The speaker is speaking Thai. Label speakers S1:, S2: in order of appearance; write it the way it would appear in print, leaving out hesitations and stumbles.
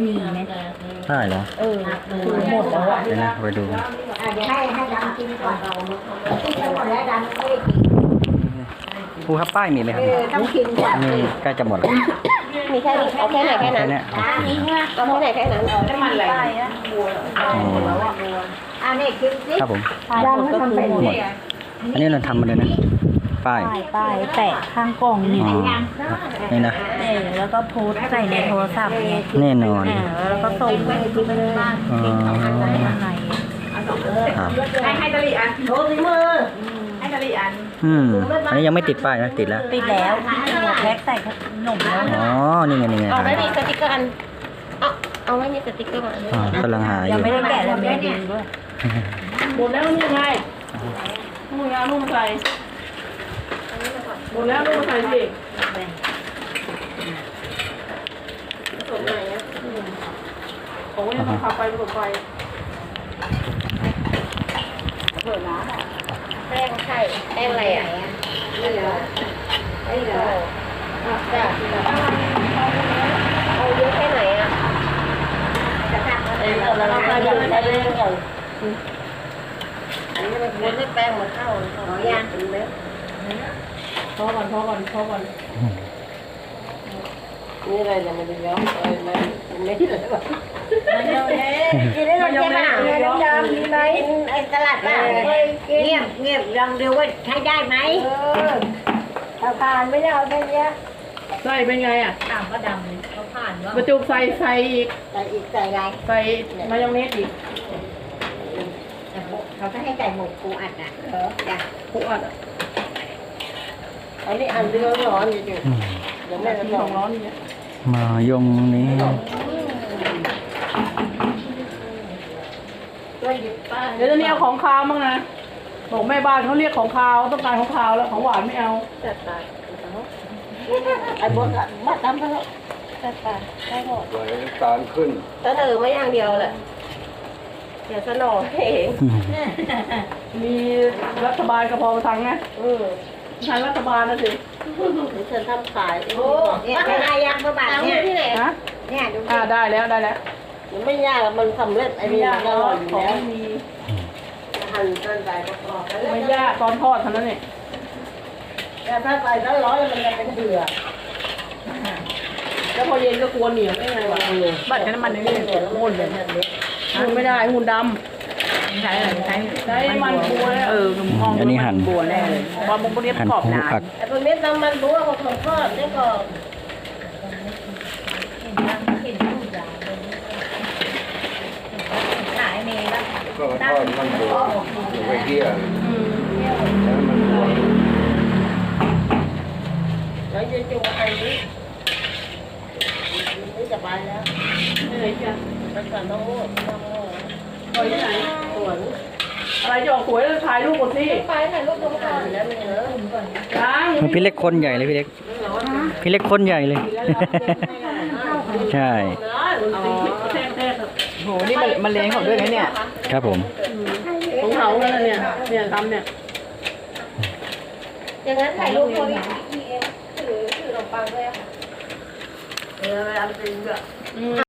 S1: มีไหม
S2: ได้เหรอ
S1: คือหมดแล้วอ่ะ
S2: เดี๋ยวนะไปดู
S3: เดี๋ยวให้ดำกินก่อนกินหมดแล้วดำไม่ได้กิน
S2: ครูครับป้ายมีไหมครับ
S3: ต้องกินก่อน
S2: นี่ใกล้จะหมดแล้ว
S4: มีแค่นี้เอาแค่ไหนแค่นั้น
S2: เนี้ย
S4: เอาแค่ไหนแค่นั้น
S1: น้ำมันอะไร
S2: อ๋อ
S3: นี่กินสิ
S2: ครับผม
S1: ดำก็คือหมด
S2: อันนี้เราทำมาเลยนะป้าย
S1: ป้ายแปะข้างกล่องนี่
S2: อ๋อนี่นะ
S1: แล้วก็โพสต์ใส่ในโทรศัพท์เนี่ย
S2: แน่นอน
S1: แล้วก็ส่งไปที่บ้าน
S2: อ๋อ
S1: อะไร
S2: ครับ
S5: ให้ตะลีอัน
S3: โชว์ฝีมือ
S5: ให้ตะลีอัน
S2: อันนี้ยังไม่ติดป้ายนะติดแล้ว
S1: ติดแล้วแพ็คใส่ขนมแล้ว
S2: อ๋อนี่ไงนี่ไง
S4: เอาไม่มีสติ๊กเกอร์อันเอาไม่มีสติ๊กเกอร์อัน
S2: อ๋อกำลังหาอ
S1: ยัง
S2: ยู่
S1: ไม่ได้แกะเลยไม่ดีด้วย
S5: หมดแล้วนี่ไงนุ่งยานุ่งใส่หมดแล้วนุ่งใส่สิผสมไหนอ่ะผมก็ยังต้องพาไปผสมไป
S4: แป้งไข่แป้งอะไรอ่ะ
S3: นี่เหรอนี่เหรอ
S4: จ้ะเอาเยอะแค่ไหนอ่ะ
S3: แล้วเราก็ยังได้เรื่องอย่าง
S4: อันนี้มันม้วนให้แป้งมาเข้าขอย่างถึงไหม
S5: พอก่อนนี่อะไรเนี่ยมันจะย้อมมันไม่ได้เลยแบบ
S3: กินได้ลงใช่ไหมดำๆมีไหมไอ้ตลาดป่ะเงียบลองดูว่าใช้ได้ไหมถ้าผ่านไม่ได้เอาแค่นี้
S5: ใส่เป็นไงอ่ะ
S1: ต่างก็ดำเลยเขาผ่านว่า
S5: บรรจุใส่อีก
S3: ใส่อีกใส่อะไร
S5: ใส่มายองเนสอีก
S3: เขาจะให้ใส่หมกปูอัดอ่ะจ้ะ
S5: ผูอัดอ่ะ
S4: อันนี้อันเรื่องร้อนอยู่
S5: เดี๋ยวแม่จะของร้อนอย่างเงี้ย
S2: มายงนี้
S5: เดี๋ยวจะเนี่ยของคาวมั้งนะบอกแม่บ้านเขาเรียกของคาวต้องการของคาวแล้วของหวานไม่เอา
S4: จัดไปไอ้บดอะมาตามเขาจัดไปได้หมด
S6: ไหลตาลขึ้น
S4: เสนอมาอย่างเดียวแหละเดี๋ยวเสนอเอง
S5: มีรัฐบาลกระเพาะทังนะทางรัฐบาลนะสิ
S4: เดี๋ยวฉันทำขาย
S3: โอ้เนี่ยใช้ได้ยังเมื่อบาท
S4: ตาม
S3: เนี่ย
S4: ที่ไหน
S5: ฮะ
S3: เนี่ยดู
S5: ได้แล้ว
S4: มันไม่ยากมันสำเร็จไอ้นี่มันอร่อยอยู่
S5: ของ
S4: แล้ว
S5: มี
S4: หั่นจนใส่ประกอบ
S5: ไม่ยากตอนทอดเท่านั้นเอง
S4: แต่ถ้าใส่แล้วร้อนมันจะเป็นเดือด
S5: แล้วพอเย็นก็กวนเหนียวได้ไงวะบัตรใช้น้ำมันนี่หุ่นเลยหุ่นไม่ได้หุ่นดำ
S1: ใช้อะไรใช้
S5: มันบัวแล้ว
S1: มอง
S2: อันนี้หั่น
S1: บัวแน่เลยบอลมุกเรียบ
S2: หั่น
S1: ขอบ
S2: หมู
S1: หนา
S2: ผัก
S4: ไอ้พวกนี้น้ำมันบัวของทอดได้ก่อน
S1: ขายเมย์แล้ว
S6: ก็ทอดมันบวมอยู่ไปเที่ยวแล้วมันบวม
S4: แล้วจะจุ่มไอ้นี้นี่จะไปแล้ว
S5: นี่ไหนจ้ะ
S4: ไปก่อนต้องโม่
S5: ไปที่ไหน
S4: สวน
S5: อะไรจะออกสวยแล้วถ่ายรูปก่อนสิ
S4: ไปถ่ายรูปลงก่อนแล้วมันเยอะ
S5: ยัง
S2: พี่เล็กคนใหญ่เลยพี่เล็ก พี่เล็กคนใหญ่เลย ใช่
S1: โหนี่มันเลี้ยงเขาด้วยนะเนี่ย
S2: ครับผม
S5: ของเขาแล้วเนี่ยทำเนี่ย
S4: อย่างนั้นถ่ายรูปคนถือขนมปังด้วยค่ะเวลาไปซื้อ